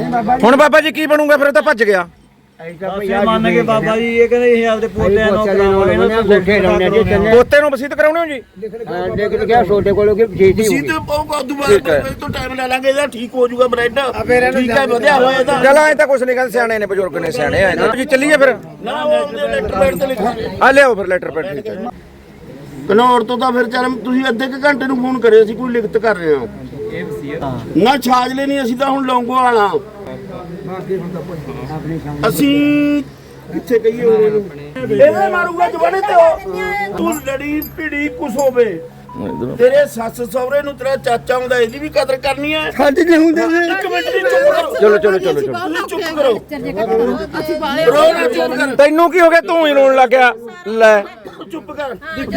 ਹੁਣ ਬਾਬਾ ਜੀ ਕੀ ਬਣੂਗਾ ਫਿਰ? ਉਹ ਤਾਂ ਭੱਜ ਗਿਆ। ਮੰਨ ਕੇ ਬਾਬਾ ਜੀ ਇਹ ਕਹਿੰਦੇ ਅਸੀਂ ਆਪਦੇ ਪੋਤਿਆਂ ਨੂੰ ਗੋਠੇ ਲਾਉਣੇ ਜੀ ਤਿੰਨੇ ਪੋਤੇ ਨੂੰ ਵਸੀਤ ਕਰਾਉਣੇ ਹੋ ਜੀ? ਦੇਖ ਲਿਆ ਛੋਟੇ ਕੋਲੋਂ ਕਿ ਜੀਤੀ ਹੋ ਵਸੀਤ ਪਾਊਗਾ ਦੁਬਾਰਾ ਤੋਂ ਟਾਈਮ ਲੈ ਲਾਂਗੇ, ਇਹਦਾ ਠੀਕ ਹੋ ਜਾਊਗਾ ਬ੍ਰੈਡ। ਠੀਕ ਹੈ, ਵਧਿਆ ਹੋਇਆ ਇਹਦਾ। ਚਲ ਐ ਤਾਂ ਕੁਛ ਨਹੀਂ ਕਹਿੰਦੇ, ਸਿਆਣੇ ਨੇ ਬਜ਼ੁਰਗ ਨੇ, ਸਿਆਣੇ ਆ ਜੀ। ਚੱਲੀਏ ਫਿਰ। ਨਾ ਉਹ ਲੈਟਰ ਪੈਡ ਤੇ ਲਿਖਾਂਗੇ। ਆ ਲਿਆਓ ਫਿਰ ਲੈਟਰ ਪੈਡ। ਠੀਕ ਹੈ। ਘਨੌਰ ਤੋਂ ਤਾਂ ਫਿਰ ਚੱਲ ਤੁਸੀਂ ਅੱਧੇ ਕੁ ਘੰਟੇ ਨੂੰ ਫੋਨ ਕਰਿਓ, ਅਸੀਂ ਕੋਈ ਲਿਖਤ ਕਰ ਰਹੇ ਹਾਂ। ਨਾ ਛਾਜਲੇ ਨਹੀਂ, ਅਸੀਂ ਤਾਂ ਹੁਣ ਲੌਂਗੋ ਵਾਲਾ। ਅਸੀਂ ਕਿੱਥੇ ਕਹੀਏ ਉਹਨੂੰ, ਇਹਦੇ ਮਾਰੂਗਾ ਜਵਾਨੇ ਤੇ ਉਹ। ਤੂੰ ਲੜੀ ਭਿੜੀ ਕੁਛ ਹੋਵੇ, ਤੇਰੇ ਸੱਸ ਸਹੁਰੇ ਨੂੰ ਤੇਰਾ ਚਾਚਾ ਹੁੰਦਾ, ਇਹਦੀ ਵੀ ਕਦਰ ਕਰਨੀ ਹੈ। ਸਾਡੇ ਨਹੀਂ ਹੁੰਦੇ ਇੱਕ ਮਿੰਟ ਦੀ ਚੁੱਪ ਕਰੋ। ਚਲੋ ਚਲੋ ਚਲੋ ਚਲੋ, ਤੁਸੀਂ ਚੁੱਪ ਕਰੋ। ਰੋ ਨਾ, ਚੁੱਪ ਕਰ। ਤੈਨੂੰ ਕੀ ਹੋ ਗਿਆ? ਤੂੰ ਹੀ ਰੋਣ ਲੱਗ ਗਿਆ। ਲੈ ਚੁੱਪ ਕਰ।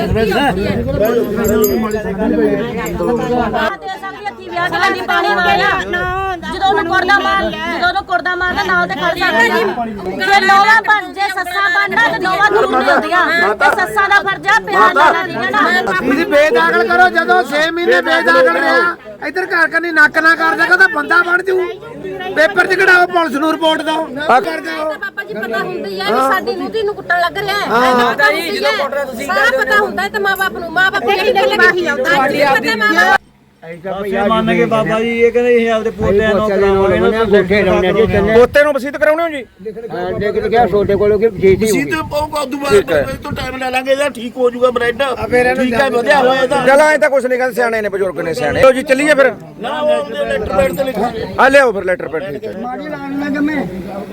ਜਦੋਂ ਉਹਨੂੰ ਕੁਰਦਾ ਮਾਰਦਾ ਨਾਲ ਤੇ ਖੜ ਸਕਦਾ। ਜੇ ਨੋਵਾ ਬਣ ਜੇ ਸੱਸਾਂ ਬਣਨਾ ਤੇ ਨੋਵਾ ਜ਼ਰੂਰ ਹੁੰਦੀਆਂ ਤੇ ਸੱਸਾਂ ਦਾ ਫਰਜ਼ ਆ ਪਿਆਰ ਨਾਲ ਦੀਆਂ ਨਾ। ਤੁਸੀਂ ਬੇਦਾਖਲ ਕਰੋ। ਜਦੋਂ 6 ਮਹੀਨੇ ਬੇਦਾਖਲ ਰਿਹਾ, ਇੱਧਰ ਘਰ ਕਰਨੀ ਨੱਕ ਨਾ ਕਰ ਦੇਗਾ ਤਾਂ ਬੰਦਾ ਬਣ ਜੂ। ਪੇਪਰ 'ਚ ਕਢਾਓ, ਪੁਲਿਸ ਨੂੰ ਰਿਪੋਰਟ ਦਿਓ। ਕਰ ਦਿਓ। ਪਾਪਾ ਜੀ ਪਤਾ ਹੁੰਦੀ ਹੈ ਕਿ ਸਾਡੀ ਨੂੰਹ ਨੂੰ ਕੁੱਟਣ ਲੱਗ ਰਿਹਾ ਹੈ। ਪਤਾ ਜੀ ਜਦੋਂ ਕੁੱਟਣਾ ਤੁਸੀਂ ਪਤਾ ਹੁੰਦਾ ਤੇ ਮਾਂ-ਬਾਪ ਨੂੰ, ਮਾਂ-ਬਾਪ ਕਿਹੜੀ ਗੱਲ ਲਿਖੀ ਆਉਂਦਾ ਅੱਜ ਪਤਾ ਮਾਂ-ਬਾਪ ਮੰਨ ਕੇ ਬਾਬਾ ਜੀ ਇਹ ਕਹਿੰਦੇ ਅਸੀਂ ਆਪਦੇ ਪੋਤਿਆਂ ਨੂੰ ਗੋਠੇ ਲਾਉਣੇ ਜੀ ਤਿੰਨੇ ਪੋਤੇ ਨੂੰ ਵਸੀਤ ਕਰਾਉਣੇ ਹੋ ਜੀ? ਦੇਖ ਲਿਆ ਛੋਟੇ ਕੋਲੋਂ ਕਿ ਜੀਤੀ ਹੋ ਵਸੀਤ ਪਾਊਗਾ ਦੁਬਾਰਾ ਤੋਂ ਟਾਈਮ ਲੈ ਲਾਂਗੇ, ਇਹਦਾ ਠੀਕ ਹੋ ਜਾਊਗਾ ਬ੍ਰੈਡ। ਠੀਕ ਹੈ, ਵਧਿਆ ਹੋਇਆ ਇਹਦਾ। ਚਲ ਐ ਤਾਂ ਕੁਛ ਨਹੀਂ ਕਹਿੰਦੇ, ਸਿਆਣੇ ਨੇ ਬਜ਼ੁਰਗ ਨੇ, ਸਿਆਣੇ ਆ ਜੀ। ਚੱਲੀਏ ਫਿਰ। ਨਾ ਉਹ ਲੈਟਰ ਪੈਡ ਤੇ ਲਿਖਾਂਗੇ। ਆ ਲਿਆਓ ਫਿਰ ਲੈਟਰ ਪੈਡ। ਠੀਕ ਹੈ। ਮਾੜੀ ਲਾਣ ਲੱਗ ਮੈਂ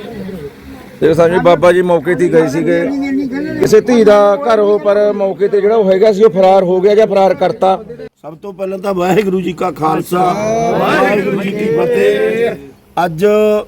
ਦੇਖ ਸਕਦੇ ਜੀ, ਬਾਬਾ ਜੀ ਮੌਕੇ ਤੇ ਗਏ ਸੀਗੇ। ਕਿਸੇ ਧੀ ਦਾ ਘਰ ਹੋ, ਪਰ ਮੌਕੇ ਤੇ ਜਿਹੜਾ ਉਹ ਹੈਗਾ ਸੀ ਉਹ ਫਰਾਰ ਹੋ ਗਿਆ ਜਾਂ ਫਰਾਰ ਕਰਤਾ। ਸਭ ਤੋਂ ਪਹਿਲਾਂ ਤਾਂ ਵਾਹਿਗੁਰੂ ਜੀ ਕਾ ਖਾਲਸਾ, ਵਾਹਿਗੁਰੂ ਜੀ ਕੀ ਫਤਿਹ। ਅੱਜ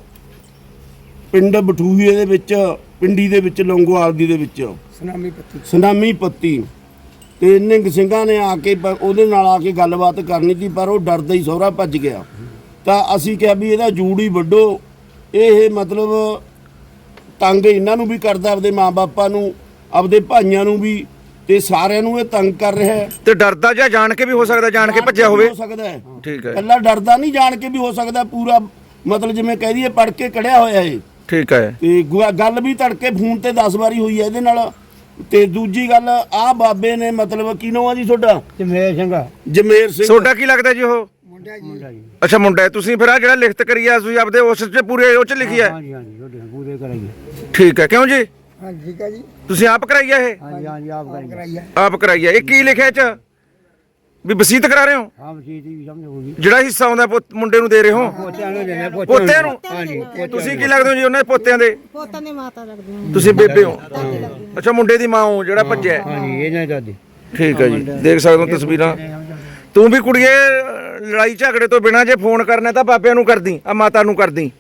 ਪਿੰਡ ਬਠੂਹੀਏ ਦੇ ਵਿੱਚ, ਪਿੰਡੀ ਦੇ ਵਿੱਚ, ਲੌਂਗੋਵਾਲ ਦੀ ਦੇ ਵਿੱਚ ਸੁਨਾਮੀ ਪੱਤੀ ਤੇ ਨਿੰਗ ਸਿੰਘਾਂ ਨੇ ਆ ਕੇ ਉਹਦੇ ਨਾਲ ਆ ਕੇ ਗੱਲਬਾਤ ਕਰਨੀ ਸੀ, ਪਰ ਉਹ ਡਰਦਾ ਹੀ ਸਹੁਰਾ ਭੱਜ ਗਿਆ। ਤਾਂ ਅਸੀਂ ਕਿਹਾ ਵੀ ਇਹਦਾ ਜੂੜ ਹੀ ਵੱਢੋ। ਇਹ ਮਤਲਬ ਤੰਗ ਇਹਨਾਂ ਨੂੰ ਵੀ ਕਰਦਾ, ਆਪਦੇ ਮਾਂ-ਬਾਪਾਂ ਨੂੰ, ਆਪਦੇ ਭਾਈਆਂ ਨੂੰ ਵੀ, ਤੇ ਸਾਰਿਆਂ ਨੂੰ ਇਹ ਤੰਗ ਕਰ ਰਿਹਾ ਹੈ। ਤੇ ਡਰਦਾ ਜਾਂ ਜਾਣ ਕੇ ਵੀ ਹੋ ਸਕਦਾ, ਜਾਣ ਕੇ ਭੱਜਿਆ ਹੋਵੇ। ਹੋ ਸਕਦਾ ਹੈ। ਠੀਕ ਹੈ। ਕੱਲਾ ਡਰਦਾ ਨਹੀਂ, ਜਾਣ ਕੇ ਵੀ ਹੋ ਸਕਦਾ। ਪੂਰਾ ਮਤਲਬ ਜਿਵੇਂ ਕਹਿ ਦਈਏ ਪੜ ਕੇ ਕੜਿਆ ਹੋਇਆ ਇਹ। ਠੀਕ ਹੈ। ਤੇ ਗੱਲ ਵੀ ਤੜਕੇ ਫੋਨ ਤੇ 10 ਵਾਰੀ ਹੋਈ ਹੈ ਇਹਦੇ ਨਾਲ। ਤੇ ਦੂਜੀ ਗੱਲ, ਆਹ ਬਾਬੇ ਨੇ ਮਤਲਬ ਕੀ ਨਾਮ ਆ ਜੀ ਤੁਹਾਡਾ? ਜਮੇਰ ਸਿੰਘ। ਜਮੇਰ ਸਿੰਘ। ਤੁਹਾਡਾ ਕੀ ਲੱਗਦਾ ਜੀ ਉਹ? ਅੱਛਾ, ਮੁੰਡਾ ਹੈ। ਤੁਸੀਂ ਫਿਰ ਆ ਜਿਹੜਾ ਲਿਖਤ ਕਰੀ ਆ, ਤੁਸੀਂ ਆਪਦੇ ਉਸ 'ਚ ਪੂਰੇ ਉਹ 'ਚ ਲਿਖੀ ਹੈ? ਹਾਂਜੀ ਹਾਂਜੀ, ਪੂਰੇ ਕਰਾਈਏ। ਠੀਕ ਹੈ। ਕਿਉਂ ਜੀ? ਹਾਂ ਠੀਕ ਹੈ ਜੀ। ਤੁਸੀਂ ਆਪ ਕਰਾਈ ਆ ਇਹ? ਹਾਂਜੀ ਹਾਂਜੀ, ਆਪ ਕਰਾਈਏ। ਆਪ ਕਰਾਈ ਆ। ਇਹ ਕੀ ਲਿਖਿਆ ਇਹ 'ਚ? ਵੀ ਵਸੀਤ ਕਰਾ ਰਹੇ ਹੋ? ਹਾਂ, ਵਸੀਤ ਵੀ ਸਮਝ ਹੋ ਗਈ। ਜਿਹੜਾ ਹਿੱਸਾ ਆਉਂਦਾ ਮੁੰਡੇ ਨੂੰ ਦੇ ਰਹੇ ਹੋ? ਪੋਤਿਆਂ ਨੂੰ ਦੇਣਾ, ਪੋਤਿਆਂ ਨੂੰ? ਹਾਂਜੀ। ਤੁਸੀਂ ਕੀ ਲੱਗਦੇ ਹੋ ਜੀ ਉਹਨਾਂ ਦੇ ਪੋਤਿਆਂ ਦੇ? ਪੋਤਾਂ ਦੀ ਮਾਤਾ ਲੱਗਦੀ ਹਾਂ। ਤੁਸੀਂ ਬੇਬੇ ਹੋ? ਅੱਛਾ, ਮੁੰਡੇ ਦੀ ਮਾਂ ਹੋ ਜਿਹੜਾ ਭੱਜਿਆ? ਹਾਂਜੀ, ਇਹਨਾਂ ਦਾਦੀ। ਠੀਕ ਹੈ ਜੀ। ਦੇਖ ਸਕਦੇ ਹੋ ਤਸਵੀਰਾਂ। ਤੂੰ ਵੀ ਕੁੜੀਏ ਲੜਾਈ ਝਗੜੇ ਤੋਂ ਬਿਨਾਂ ਜੇ ਫੋਨ ਕਰਨਾ ਤਾਂ ਬਾਬਿਆਂ ਨੂੰ ਕਰਦੀ, ਆ ਮਾਤਾ ਨੂੰ ਕਰਦੀ।